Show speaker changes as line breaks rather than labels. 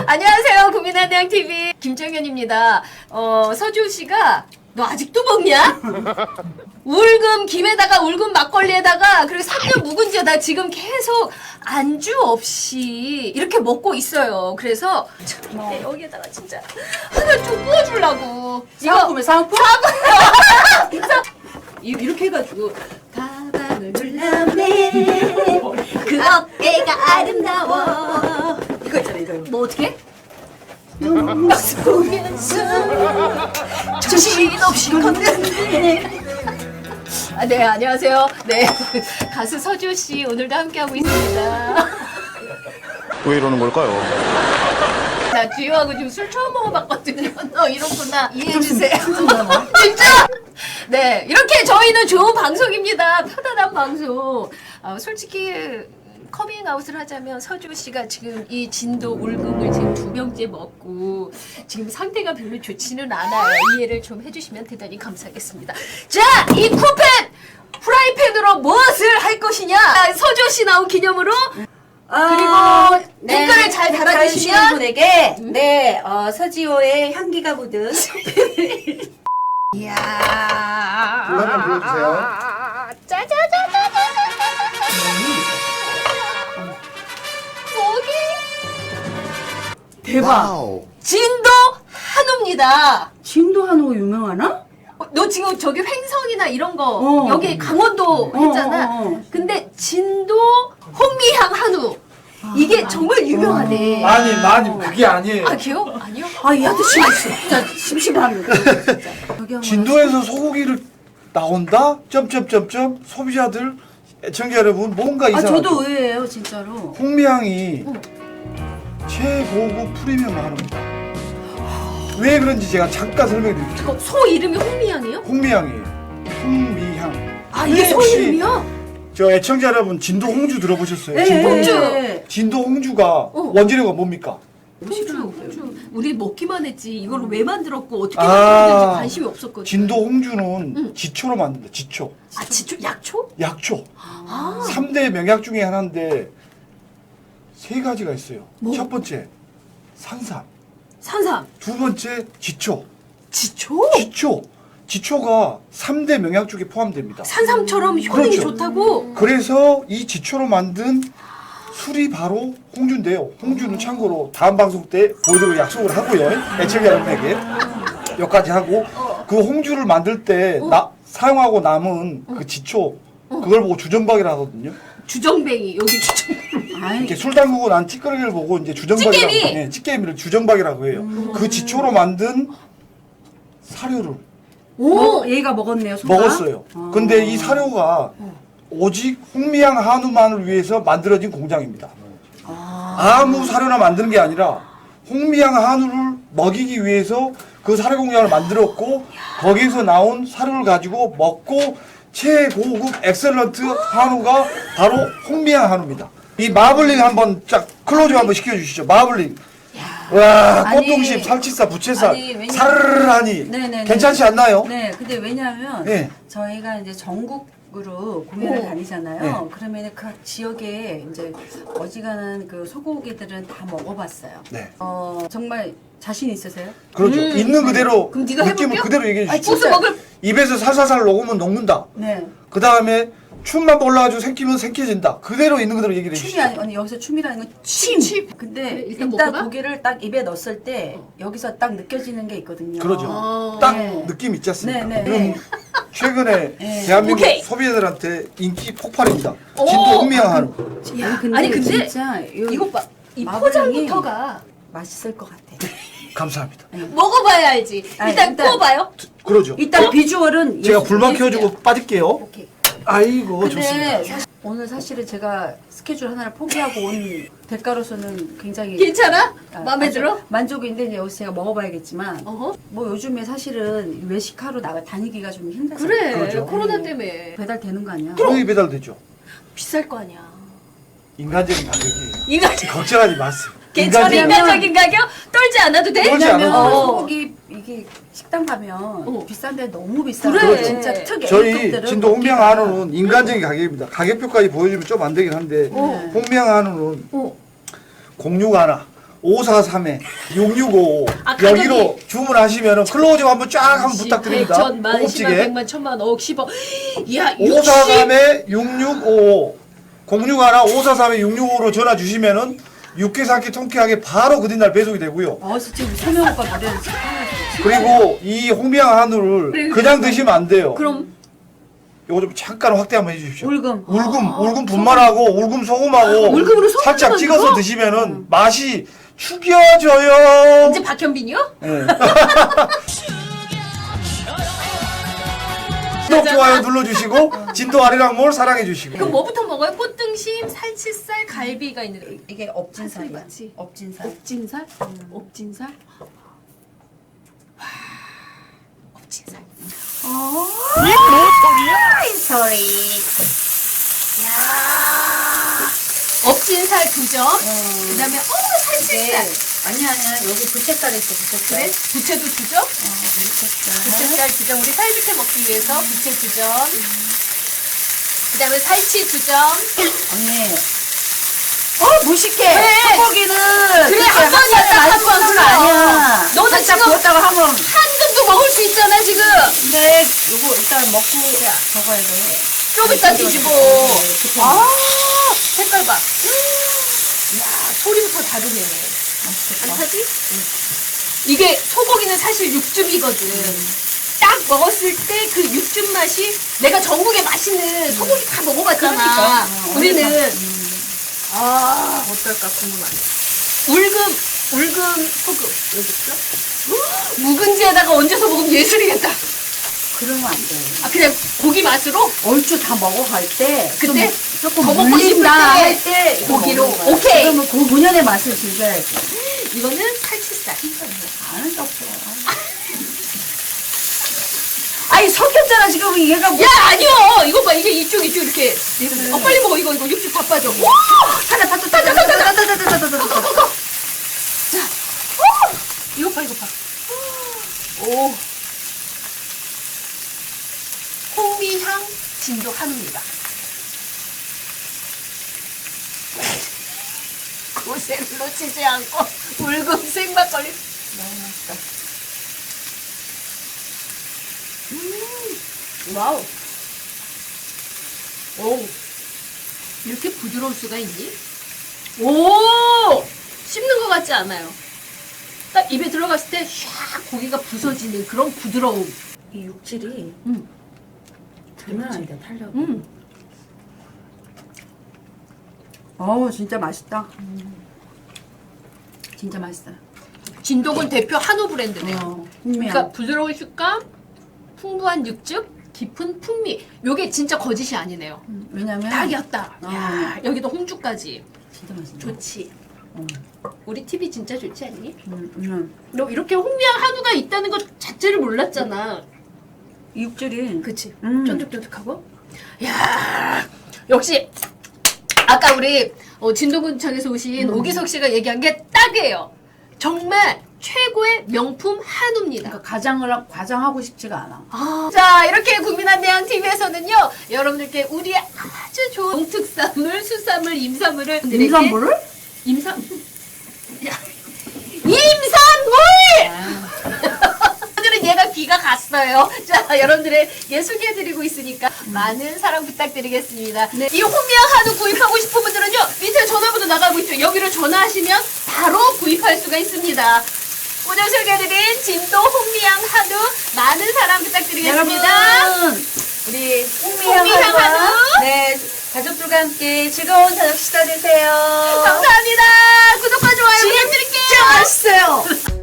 안녕하세요. 국민한대항TV 김정현입니다. 서지호 씨가 너 아직도 먹냐? 울금 김에다가 울금 막걸리에다가 그리고 3년 묵은지에 나 지금 계속 안주 없이 이렇게 먹고 있어요. 그래서 참, 여기에다가 진짜 하나 좀 구워주려고.
상품에 상품?
이렇게 해가지고 가방을 눌러내 그 어깨가 아름다워
이거 있잖아 이거.
뭐 어떻게? 속에서 정신없이 걷는데 네 안녕하세요. 네 가수 서지호 씨 오늘도 함께하고 있습니다.
왜 이러는 걸까요?
나 지효하고 지금 술 처음 먹어봤거든요. 너 이렇구나 이해해주세요. 진짜? 네 이렇게 저희는 좋은 방송입니다. 편안한 방송. 솔직히 커밍아웃을 하자면 서지호 씨가 지금 이 진도 울금을 지금 2병째 먹고 지금 상태가 별로 좋지는 않아요. 이해를 좀 해주시면 대단히 감사하겠습니다. 자, 이 쿠펜 프라이팬으로 무엇을 할 것이냐? 서지호 씨 나온 기념으로 그리고 댓글을 잘 달아주시면
분에게 서지호의 향기가 묻은
이야
불러 좀 불러주세요.
짜자자자자자자자 거기
대박.
와우.
진도 한우입니다.
진도 한우 유명하나?
너 지금 저기 횡성이나 이런 거 여기 강원도 했잖아. 근데 진도 홍미향 한우 이게 정말 유명하네.
많이 그게 아니에요.
아 기억? 아니요?
아, 이 아저씨 진짜 심심합니다. 진짜.
진도에서 소고기를 나온다? 점점점점 소비자들 애청자 여러분 뭔가 이상하죠.
저도 의외예요, 진짜로.
홍미향이 최고급 프리미엄 한우입니다. 왜 그런지 제가 잠깐 설명드릴게요.
소 이름이 홍미향이요?
홍미향이에요. 홍미향.
아 이게 소
혹시
이름이야?
저 애청자 여러분 진도 홍주 들어보셨어요?
네,
진도
홍주.
네.
진도 홍주가 원재료가 뭡니까?
홍주 우리 먹기만 했지 이걸 왜 만들었고 어떻게
아.
만들었는지 관심이 없었거든.
진도 홍주는 지초로 만든다. 지초.
아 지초 약초?
약초.
아
3대 명약 중에 하나인데 세 가지가 있어요.
뭐?
첫 번째 산삼,
산삼
두 번째 지초.
지초?
지초가 3대 명약 중에 포함됩니다.
산삼처럼 효능이
그렇죠.
좋다고?
그래서 이 지초로 만든 술이 바로 홍주인데요. 홍주는 참고로 다음 방송 때 보여드리고 약속을 하고요. 애청자 여러분에게 여기까지 하고 그 홍주를 만들 때 사용하고 남은 그 지초 그걸 보고 주정박이라 하거든요.
주정뱅이 여기 주정뱅이
아이,
이렇게 술 담그고 난 찌꺼기를 보고 이제 주정박이라고
찌개미!
네, 찌개미를 주정박이라고 해요. 그 지초로 만든 사료를
얘가 먹었네요, 소가.
먹었어요. 근데 이 사료가 오직 홍미향 한우만을 위해서 만들어진 공장입니다. 아무 사료나 만드는 게 아니라 홍미향 한우를 먹이기 위해서 그 사료 공장을 만들었고 거기에서 나온 사료를 가지고 먹고 최고급 엑셀런트 한우가 바로 홍미향 한우입니다. 이 마블링 한번 쫙 클로즈 한번 시켜주시죠. 마블링. 와,
아니,
꽃동심, 살치살, 부채살,
아니, 왜냐면-
사르르하니
네네네.
괜찮지 않나요?
네, 근데 왜냐하면
네.
저희가 이제 전국으로 공연을 다니잖아요.
네.
그러면 그 지역에 이제 어지간한 그 소고기들은 다 먹어봤어요.
네.
정말 자신 있으세요?
그렇죠. 있는 그대로
그럼 네가
느낌을
해볼게요?
그대로 얘기해 주시죠.
소스 먹을
입에서 살살살 녹으면 녹는다.
네.
그 다음에 춤만 올라가지고 생기면 생겨진다. 그대로 있는 그대로 얘기를
춤이
해주시죠.
아니 여기서 춤이라는 건 침. 근데
네,
일단,
일단 먹어봐?
고기를 딱 입에 넣었을 때 여기서 딱 느껴지는 게 있거든요.
그러죠. 딱
네.
느낌 있지 않습니까?
네, 네,
그럼
네.
최근에
네.
대한민국
오케이.
소비자들한테 인기 폭발입니다.
오.
진도 홍미향 한우.
야,
근데
아니 근데
진짜
이것 봐. 이
마블링이
포장부터가
맛있을 것 같아.
감사합니다.
먹어봐야 알지.
아니,
일단
일단-
구워봐요.
그러죠.
일단 비주얼은
제가
예술-
불만
예술이야.
켜주고 빠질게요.
오케이.
아이고
근데
좋습니다.
오늘 사실은 제가 스케줄 하나를 포기하고 온 대가로서는 굉장히
괜찮아?
아,
마음에
아주
들어?
만족인데 이제 여기서 제가 먹어봐야겠지만
어허.
뭐 요즘에 사실은 외식하러 다니기가 좀 힘들어요.
그래.
그렇죠.
코로나 때문에
배달 되는 거 아니야?
형이 배달되죠.
비쌀 거 아니야.
인간적인 가격이에요.
이거
걱정하지 마세요.
괜찮아. 인간적인 가격 떨지 않아도 돼?
떨지
왜냐면
않아도 돼요.
소고기 이게 식당 가면 비싼데 너무 비싸.
그래.
진짜 특
저희
A급들은
진도 홍미향
먹기가-
한우는 인간적인 가격입니다. 가격표까지 보여주면 좀 안 되긴 한데 홍미향 한우는
어.
06 하나, 543에 6655
아, 가격이-
여기로 주문하시면 클로징 한번 쫙 한번
10,
부탁드립니다.
100, 1000만, 10만,
고급지게
100만, 1000만, 억, 10억. 야,
543에 6655 061 543에 6655로 전화 주시면은 육회, 삼회, 통쾌하게 바로 그 뒷날 배송이 되고요.
진짜 우리 소명 오빠 노래를 진짜
그리고 이 홍미향 한우를 그냥 드시면 안 돼요.
그럼
요거 좀 잠깐 확대 한번 해주십시오.
울금.
울금 분말하고 울금 소금하고
울금으로 소금
살짝
만들어?
찍어서 드시면은 맛이 죽여져요.
이제 박현빈이요?
네. 구독, 좋아요 눌러주시고 진도 아리랑몰 사랑해주시고.
그럼 뭐부터 먹어요? 꽃등심, 살치살, 갈비가 있는데
이게 업진살이야.
맞지?
업진살.
옥진살? 옥진살? 와, 옥진살.
소리.
야, 옥진살 2점. 그다음에 살치살.
아니야. 여기 부채살 있어, 부채살.
그래? 부채도 2점.
부채살.
부채살 2점. 우리 살비채 먹기 위해서 부채 2점. 그다음에 살치 2점.
언니.
무식해.
소고기는
그래, 한 번이야, 딱한 번.
그거 아니야.
너는
살짝
지금
구웠다가 한번.
한 줌도 먹을 수 있잖아 지금.
근데 요거 일단 먹고 적어야 돼.
좀 이따 뒤집어.
네,
아, 색깔 봐. 야, 소리부터 다르네. 안 타지? 이게 소고기는 사실 육즙이거든. 딱 먹었을 때 그 육즙 맛이 내가 전국에 맛있는 소고기 다 먹어봤잖아.
그러니까.
우리는 어떨까 궁금하네. 울금 소금 여기 있어? 묵은지에다가 얹어서 먹으면 예술이겠다.
그러면 안 돼.
아 그냥 고기 맛으로
얼추 다 먹어갈 때
그때
조금
더 먹고 싶을
물린다
때
할 때
고기로. 오케이.
그러면 그 본연의 맛을 즐겨야지.
이거는 살치살.
아는 게 없어. 아니 섞였잖아 지금 얘가 뭐.
야 아니요. 이거 봐 이게 이쪽 이렇게. 빨리 먹어 이거 육즙 다 빠져. 와
타자.
자, 이거 봐. 오. 홍미향 진도 한우입니다. 고생을 놓치지 않고 붉은색 막걸리.
너무 맛있다.
와우. 오. 이렇게 부드러울 수가 있니? 오! 씹는 것 같지 않아요. 딱 입에 들어갔을 때 샥 고기가 부서지는 그런 부드러움.
이 육질이 장난 아니다 탄력. 진짜 맛있다. 진짜 맛있어요.
진동은 대표 한우 브랜드네요.
그러니까
그러니까 부드러운 식감, 풍부한 육즙, 깊은 풍미. 요게 진짜 거짓이 아니네요.
왜냐면
딱이었다. 야, 여기도 홍주까지.
진짜 맛있다.
좋지. 우리 TV 진짜 좋지 않니?
이
너 이렇게 홍미향 한우가 있다는 것 자체를 몰랐잖아.
육질이
그치? 쫀득쫀득하고. 야 역시 아까 우리 진도군청에서 오신 오기석 씨가 얘기한 게 딱이에요. 정말 최고의 명품 한우입니다.
그러니까 과장하고 싶지가 않아.
자 이렇게 국민한대양 TV에서는요 여러분들께 우리 아주 좋은 농특산물, 수산물, 임산물을
임산물을?
임산물! 오늘은 얘가 귀가 갔어요. 자, 여러분들에게 소개해드리고 있으니까 많은 사랑 부탁드리겠습니다. 네. 이 홍미향 한우 구입하고 싶은 분들은요, 밑에 전화번호 나가고 있죠. 여기로 전화하시면 바로 구입할 수가 있습니다. 오늘 소개해드린 진도 홍미향 한우 많은 사랑 부탁드리겠습니다.
여러분, 우리
홍미향
홍미향
한우.
한우. 네, 가족들과 함께 즐거운 저녁 식사 되세요.
감사합니다. 구독과 좋아요 부탁드릴게요.
진짜 맛있어요.